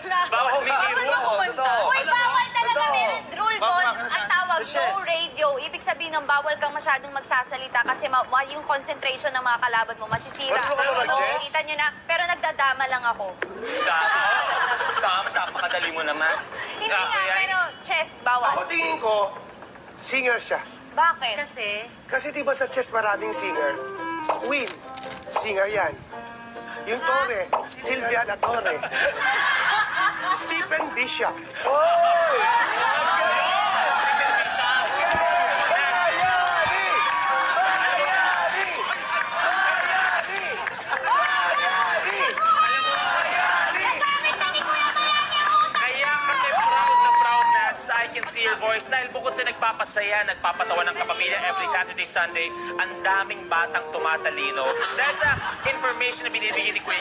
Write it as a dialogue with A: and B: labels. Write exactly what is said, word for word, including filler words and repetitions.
A: na.
B: Bawal humihiro.
C: Totoo.
A: Uy, bawal talaga.
C: Totoo.
A: Meron rule
C: Bawal
A: doon.
C: ka-
A: Ang tawag,
C: Yes.
A: no radio. Ibig sabihin ng bawal kang masyadong magsasalita kasi ma ma- yung concentration ng mga kalaban mo masisira.
C: Marunong ka ba mag-chess?
A: Oo, kita nyo na. Pero nagdadama lang ako.
B: Tama. Tama, napakadali mo naman.
A: Hindi nga,
B: Kaya-
A: pero chess, bawal.
C: Ako tingin ko, singer siya.
A: Bakit?
D: Kasi,
C: Kasi di ba sa chess maraming singer? Queen, singer yan. Yung Torre, Silvia na Torre. Stephen Bishop. Oh!
B: Kaya kami proud na proud na sa I Can See Your Voice dahil bukod sa nagpapasaya, nagpapatawa ng kapamilya every Saturday, Sunday, ang daming batang tumatalino. Dahil sa information na binibigyan ni Kuya